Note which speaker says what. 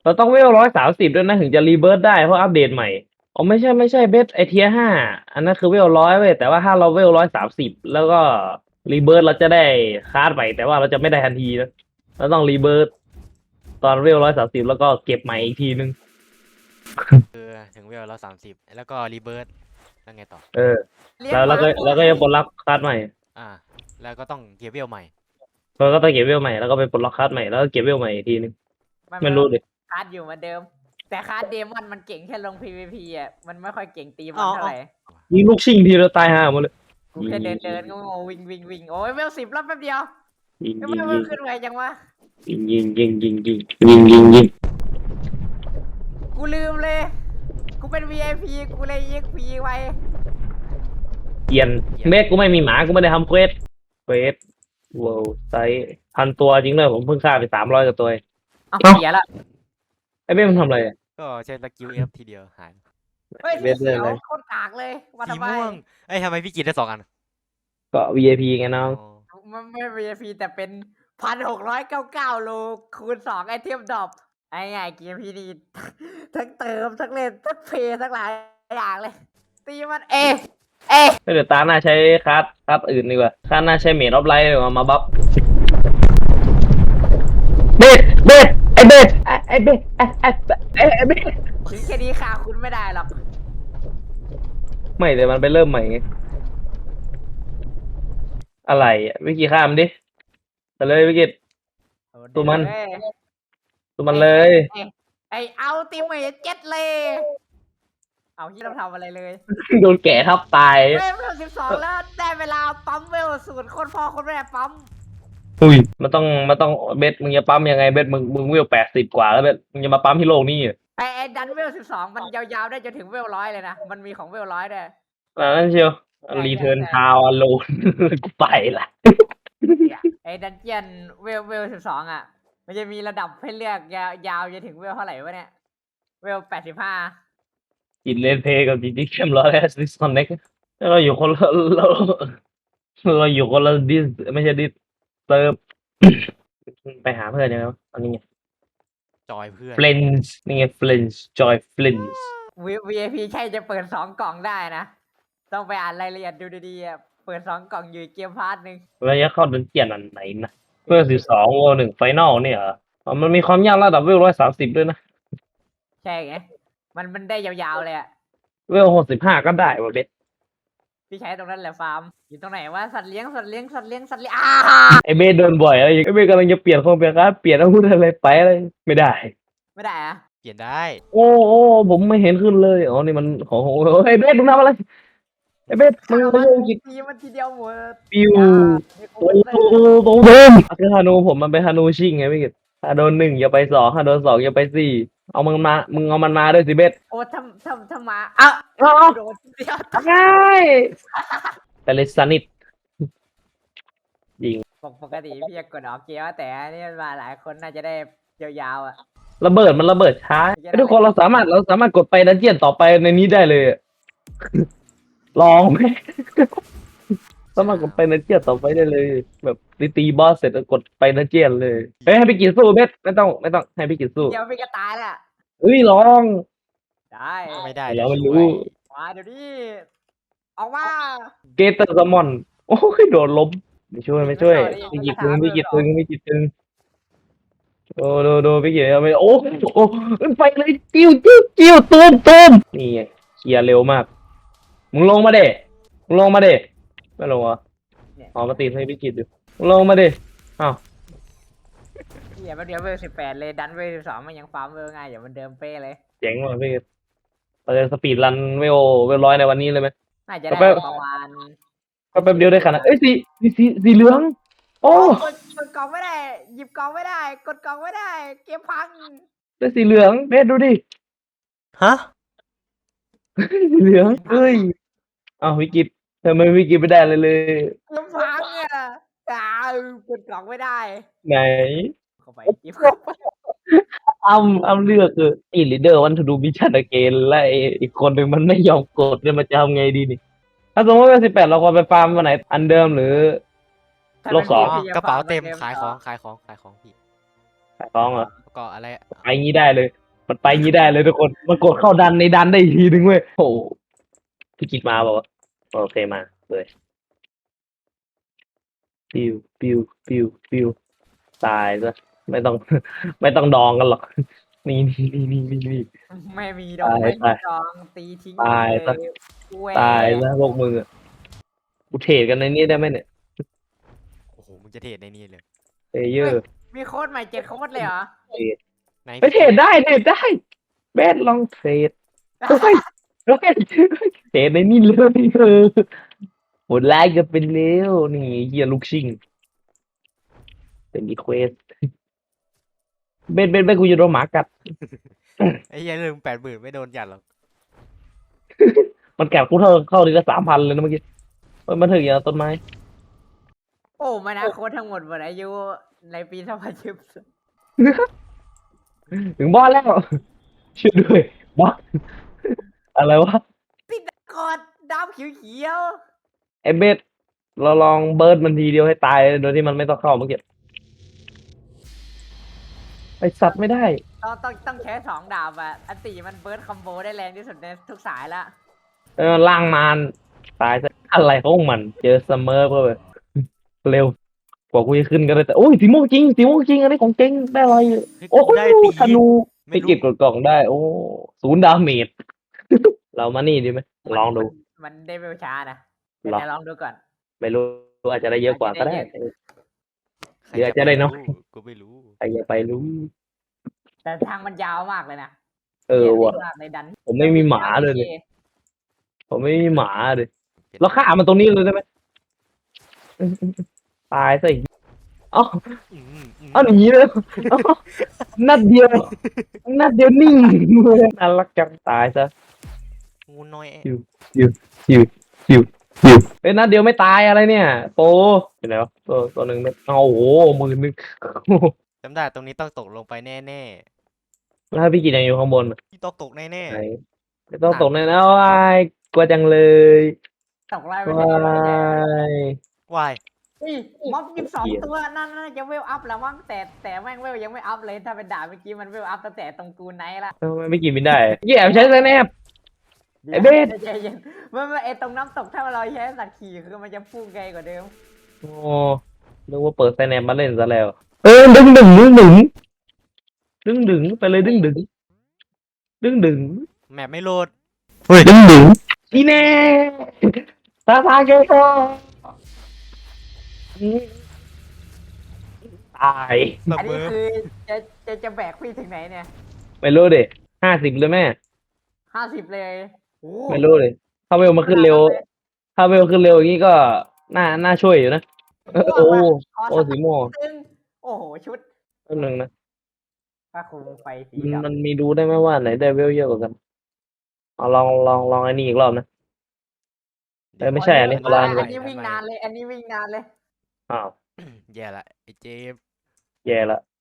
Speaker 1: เราต้องเวล130ด้วยนะถึงจะรีเบิร์ตได้เพราะอัปเดตใหม่อ๋อไม่ใช่เบสไอเทีย5อันนั้นคือเวล100เว้ยแต่ว่าถ้าเราเวล130แล้วก็รีเบิร์ตเราจะได้คาร์ดใหม่แต่ว่าเราจะไม่ได้ทันทีนะเราต้องรีเบิร์ตตอนเวล130แล้วก็เก็บใหม่อีกทีนึง
Speaker 2: คือถึงเวล130แล้วก็รีเบิร์ตแล้วไงต่อ
Speaker 1: เออ
Speaker 3: เลี้ยง
Speaker 1: แล้ว
Speaker 3: หมา
Speaker 1: เราก็จะปลดล็อกคาร์ดใหม่
Speaker 2: อ่าแล้วก็ต้องเก็บเวลใหม่
Speaker 1: เราก็ต้องเก็บเวลใหม่แล้วก็ไปปลดล็อกคาร์ดใหม่แล้วก็เก็บเวลใหม่อีกทีนึง
Speaker 3: มัน
Speaker 1: ไม่รู้ดิ
Speaker 3: คาร์ดอยู่เหมือนเดิม แต่คาร์ดเดมอนมันเก่งแค่ลง PVP อ่ะมันไม่ค่อยเก่งตีมันเท่าไหร่
Speaker 1: ยิงลูกชิงทีเราตายห่าหมดเลย
Speaker 3: กูแค่เดินก็งงวิ่งโอ้ยเวล10รอบแป๊บเดียว
Speaker 1: ยิง
Speaker 3: ทำ
Speaker 1: ยิ
Speaker 3: ไม
Speaker 1: ง
Speaker 3: มั
Speaker 1: ยิ
Speaker 3: น
Speaker 1: ง
Speaker 3: ขึ้นไวจังวะ
Speaker 1: ยิง
Speaker 3: กูลืมเลย กูเป็น VIP กูเลย EXP ไว
Speaker 1: เกียนเมฆกูไม่มีหมากูไม่ได้ทำเควสว้าวไซส์1,000 ตัวจริงเลยผมเพิ่งฆ่าไป300กับตัวเอง
Speaker 3: เอา
Speaker 1: เอ้า
Speaker 3: เสียละ
Speaker 1: ไอ้เมฆมันทำอะไรอะ
Speaker 2: ก็ใช้สกิลเอฟทีเดียวหาย
Speaker 3: เฮ้ย
Speaker 1: เว
Speaker 3: สี
Speaker 1: ทเลย
Speaker 3: เขียว
Speaker 1: เลย
Speaker 3: โคตรกากเลยวัน
Speaker 2: สี
Speaker 3: ทำไม
Speaker 2: ม่วงเอ้ยทำไมพี่กินได้2 อัน
Speaker 1: ก็ VIP ไงน้อง
Speaker 2: อ๋อ
Speaker 3: มันไม่ VIP แต่เป็น1,699 โลคูณ2ไอเทมดรอปไอ้ไงเกมพี่นี่ ทั้งเติมทั้งเล่นทั้งเพย์ทั้งหลายอย่างเลย ตีมัน
Speaker 1: เดี๋ยวตาหน้าใช้คัสอื่นดีกว่าตาหน้าใช้เมดออฟไลท์มาบัฟเบสไอ้เบสไอ้เบสไอ้เบส
Speaker 3: ถึงแค่นี้ค่ะคุณไม่ได้หรอก
Speaker 1: ไม่แต่มันไปเริ่มใหม่ไงอะไรอ่ะวิกิข้ามดิแต่เลยวิกิ ตัวมัน ตัวมันเลย
Speaker 3: ไอเอาติเมทเจ็ดเลย เอาที่เราทำอะไรเลย
Speaker 1: โดนแก่ทับตาย
Speaker 3: เวล12แล้วได้เวลาปั๊มเวลสูตรคนพ่อคนแม่ปั๊ม
Speaker 1: อุ้ยมันต้องเบสมึงจะปั๊มยังไงเบสมึงเวล80กว่าแล้วเบสมึงจะมาปั๊มที่โลกนี่อ่ะ
Speaker 3: ไอดันเวล12มันยาวๆได้จนถึงเวล100เลยนะ มันมีของเวล100ด้วย
Speaker 1: นั่นเชียว
Speaker 3: ใช่
Speaker 1: รีเทิร์น
Speaker 3: ใช่
Speaker 1: ทาวโลน กูไปละ
Speaker 3: ไอดันเจียนเวล12อ่ะ มันจะมีระดับให้เลือกยาวจนถึงเวลเท่าไหร่วะเนี่ย เวล85
Speaker 1: จิตเลนเพย์กับจิตดิเข้มร้อยแอสดิสคอนเน็กเราอยู่คนละเราอยู่คนละดิสไม่ใช่ดิสเซิร์ฟ ไปหาเพื่อนยังไงวะอันนี้ไง
Speaker 2: จอยเพื่อน
Speaker 1: เฟลนช์นี่ไงเฟลนช์จอยเฟลนช์
Speaker 3: VIP ใช่จะเปิด2 กล่องได้นะ ต้องไปอ่านรายละเอียดดูดีๆอะเปิด2 กล่องอยู่เกมพาร์ทหนึ่ง
Speaker 1: ระยะเข้าดันเจียนอันไหนนะเพื่อ12โอ1ไฟนอลเนี่ยเหรออ๋อมันมีความยากระดับเวล130ด้วยนะ
Speaker 3: ใช่ไง มันได้ยาวๆเลยอ่ะ
Speaker 1: เวล65ก็ได้ว่ะเบส
Speaker 3: พี่ใช้ตรงนั้นแหละฟาร์ม อยู่ตรงไหนว่าสัตว์เลี้ยง
Speaker 1: ไอเบสโดนบ่อยอะไรอย่างไอเบสกำลังจะเปลี่ยนคงเปลี่ยนการเปลี่ยนอาวุธอะไรไปอะไรไม่ได้
Speaker 3: ไม่ได้อะ
Speaker 2: เปลี่ยนได้
Speaker 1: โอ้ผมไม่เห็นขึ้นเลยอ๋อนี่มันของไอเบสมึงทำอะไรไอเบสมึงไม่ได้กิน
Speaker 3: ตีมันทีเดียวหมด
Speaker 1: ปิว
Speaker 3: ไม่
Speaker 1: โอ้
Speaker 3: คุ้ม
Speaker 1: โห
Speaker 3: เลย
Speaker 1: โดนคือฮานูผมมันเป็นฮานูชิงไงพี่กิตถ้าโดน1อย่าไป2ถ้าโดน2อย่าไป4เอามึงเอามันมาด้วยสิเบส
Speaker 3: โอ้ทำมาอ่ะ
Speaker 1: เอา
Speaker 3: โดนทีเดียว
Speaker 1: ง่ายแต่เลสนิท
Speaker 3: ปกติพี่จะกดออกเกียร์แต่อันนี่มาหลายคนน่าจะได้ยาวๆอ่ะ
Speaker 1: ระเบิดมันระเบิดช้าไอ้ทุกคนเราสามารถกดไปดันเจียนต่อไปในนี้ได้เลยอะ ลองไหม สามารถกดไปดันเจียนต่อไปได้เลย แบบตีบอสเสร็จแล้วกดไปดันเจียนเลยเฮ้ยให้พี่กิจสู้เบสไม่ต้องให้พี่กิจสู้
Speaker 3: เดี๋ยวพี่ก็ตายแหละ
Speaker 1: เอ้ยลอง
Speaker 3: ได้
Speaker 2: ไม่ได้
Speaker 1: เราไม่
Speaker 2: ช่
Speaker 1: รู้
Speaker 2: วย
Speaker 3: มาเดี๋ยวนี้ออกมา
Speaker 1: เกเตอร์ซมอนโอ้ยโดนล้มไม่ช่วยพี่กิจตึงโอ้ดูพี่กิจไม่โอ้ไปเลยจิ้วตูมนี่ไงเคลียร์เร็วมากมึงลงมาเด้ไม่ลงเหรอ อ๋อมาตีให้พี่กิจอยู่ลงมาดิอ้าว
Speaker 3: เดี๋ยวเดี๋ยวเวล18เลยดันเวล12มันยังฟาร์มเวลง่ายอย่างมันเดิมเป๊ะเลย
Speaker 1: เจ๋งว่ะพี่กิจเราจะสปีดรันเวล100ในวันนี้เลยไหม
Speaker 3: น่าจะได้ประมาณ
Speaker 1: ก็แป๊บเดียวได้ขนาดเอ้ยสีเหลือง โอ้
Speaker 3: กดกล่องไม่ได้ หยิบกล่องไม่ได้ กดกล่องไม่ได้ เกมพัง
Speaker 1: ได้สีเหลืองเบสดูดิ
Speaker 2: ฮะ
Speaker 1: สีเหลืองเฮ้ยอ้าวพี่กิจทำไมพี่กิจไม่ได้เลย
Speaker 3: เกมพังอ่ะกดกล่องไม่ได้
Speaker 1: ไหน
Speaker 3: เข้าไปหยิบเข้าไป
Speaker 1: อ้ำเลือกคืออีลีเดอร์วันทูดูมิชชั่นเกนและอีกคนหนึ่งมันไม่ยอมกดเนี่ยมันจะทำไงดีนี่ถ้าสมมติว่า18เราควรไปฟาร์มวันไหนอันเดิมหรือ โลกสอง
Speaker 2: กระเป๋าเต็มขายของพี่
Speaker 1: ขท้องเหรอ
Speaker 2: ก็อะไร
Speaker 1: ไปงี้ได้เลย มันไปงี้ได้เลยทุกคนมันกดเข้าดันในดันได้อีกทีนึงเว้ยโอ้โหพี่กิดมาบอกว่าโอเคมาเลยปิวปิวปิวปิวตายซะไม่ต้อง ไม่ต้องดองกันหรอกนี่
Speaker 3: ไม่มีดอก
Speaker 1: ตาย
Speaker 3: ไม่มี
Speaker 1: ตาย
Speaker 3: ดองตีทิ้ง
Speaker 1: ตาย
Speaker 3: เล
Speaker 1: ซะ
Speaker 3: แหว
Speaker 1: ตายซะพวกมึงอะกูเทรดกันในนี้ได้ไหมเนี่ย
Speaker 2: โอ้โหมึงจะเทรดในนี้เลย
Speaker 1: เพลเยอร์
Speaker 3: มีโค้ดใหม่7 โค้ดเลยเหรอ
Speaker 2: ไหน
Speaker 1: ไปเทรดได้เบสลองเทรดเฮ้ยเฮ้ยเทรดในนี่เลยหมดไลค์กันเป็นเร็วนี่เฮียลูกชิงเป็นรีเควสเบสกูจะโดนหมากัด
Speaker 2: ไอ้เหี้ยลืม80,000ไม่โดนจัดหรอก
Speaker 1: มันแกะกูเข้าทีละ3,000เลยนะเมื่อกี้เฮ้ยมันถึงอย่างต้นไม้
Speaker 3: โอ้มานะโค้ดทั้งหมดหมดอายุในปี2010
Speaker 1: ถึงบอสแล้วช่วยด้วยบอสอะไรวะ
Speaker 3: ติดกอดดาวเขียว
Speaker 1: ไอ้เบสเราลองเบิร์ดมันทีเดียวให้ตายโดยที่มันไม่ต้องเข้าเมื่อกี้ไอสัตว์ไม่ได้
Speaker 3: ๆต้องใช้2 ดาบอ่ะอันตีมันเบิร์ดคอมโบได้แรงที่สุดในทุกสายละ
Speaker 1: ล่างมารตายซะอะไรของมันเจอซัมเมอร์เพื่อเร็วกว่ากูจะขึ้นก็ได้แต่โอ้ยสีม่วงจริงอันนี้ของจริงได้อะไร
Speaker 2: เฮ้ย
Speaker 1: โอ้
Speaker 2: กูได้ตี
Speaker 1: ธนูไป
Speaker 2: ไม่รู้
Speaker 1: เก็บกล่องได้ โอ้0 ดาเมจ เรามานี่ดีไหมลองดู
Speaker 3: มันได้เวลช้านะแต่
Speaker 1: หรอ
Speaker 3: จะลองดูก่อน
Speaker 1: ไม่รู้อาจจะได้เยอะกว่าก็ได้
Speaker 2: ใคร
Speaker 1: เดี๋ยวจะได้เนอะ
Speaker 2: กูไม่รู้
Speaker 1: ใครจะไปรู้
Speaker 3: แต่ทางมันยาวมากเลยนะ
Speaker 1: เออว่ะ
Speaker 3: เหี้ยมากในดัน
Speaker 1: ผมไม่มีหมาเลยเนี่ย ผมไม่มีหมาเลยเราฆ่ามันตรงนี้เลยได้ไหมตายซะอีกเอ้า
Speaker 2: อืม
Speaker 1: เอาหนีเลยเอ้านัดเดียวนิ่งเลยน่ารักจังตายซะ
Speaker 2: งูน้อย
Speaker 1: หิวเอ้ยนัดเดียวไม่ตายอะไรเนี่ยโปอยู่ไหนวะตัวหนึ่งเนี่ยเอาโอ้โห10,000
Speaker 2: จำได้ตรงนี้ต้องตกลงไปแน่
Speaker 1: แล้วถ้าพี่กินยังอยู่ข้างบน
Speaker 2: ๆที่ต้องตกแน่
Speaker 1: ไหนไม่ต้องตกแน่นะวายกลัวจังเลย
Speaker 3: ตกไล่ไป
Speaker 1: วา
Speaker 3: เฉย
Speaker 2: ๆวาย
Speaker 3: ๆอุ้ยม็อบ
Speaker 1: เหี้ย
Speaker 3: 22 ตัวนั่นน่าจะเวลอัพแล้วมั้งแต่แม่งเวลยังไม่อัพเลยถ้าเป็นดาบเมื่อกี้มันเวลอัพตั้งแต่ตรงกูไนท์ละ
Speaker 1: ทำไมไม่กินไม่ได้แย่ใช้สแนป ไอ้เบส
Speaker 3: ใจเย็นไม่ไอตรงน้ำตกถ้าเราใช้สัตว์ขี่คือมันจะพุ่งไกลกว่าเดิม
Speaker 1: โอ้นึกว่าเปิดสแนปมาเล่นซะแล้ว ดึงไปเลยดึง
Speaker 2: แมปไม่โหลด
Speaker 1: ดึงอีแน่ตาเกโกตาย
Speaker 2: เส
Speaker 3: อัน
Speaker 2: ม
Speaker 3: นี้
Speaker 2: อ
Speaker 3: คือจะแบกพี่ถึงไหนเนี่ย
Speaker 1: ไม่รู้ดิ50เลยแม่
Speaker 3: 50 เลยโอ้
Speaker 1: ไม่รู้เลยถ้าเวลมาขึ้นเร็ว ถ้าเวลขึ้นเร็วอย่างนี้ก็น่าช่วยอยู่นะโอ้
Speaker 3: ขอ
Speaker 1: โอ้
Speaker 3: สัก
Speaker 1: สีม่วง
Speaker 3: ตึงโอ้โหชุด
Speaker 1: อันหนึ่งนะ
Speaker 3: ผ้าคลุมไฟสี
Speaker 1: มัน
Speaker 3: ดำ
Speaker 1: มันมีดูได้ไหมว่าไหนได้เวลเยอะกว่ากันเอาลองไอ้นี่อีกรอบนะ ไม่ใช่อันนี้
Speaker 3: อั
Speaker 1: ร้าน
Speaker 3: อันนี้วิ่งนานเลย อันนี้วิ่งนานเลย
Speaker 1: อ้าว
Speaker 2: แย่ละไอ้เจมส์
Speaker 1: แย่ละ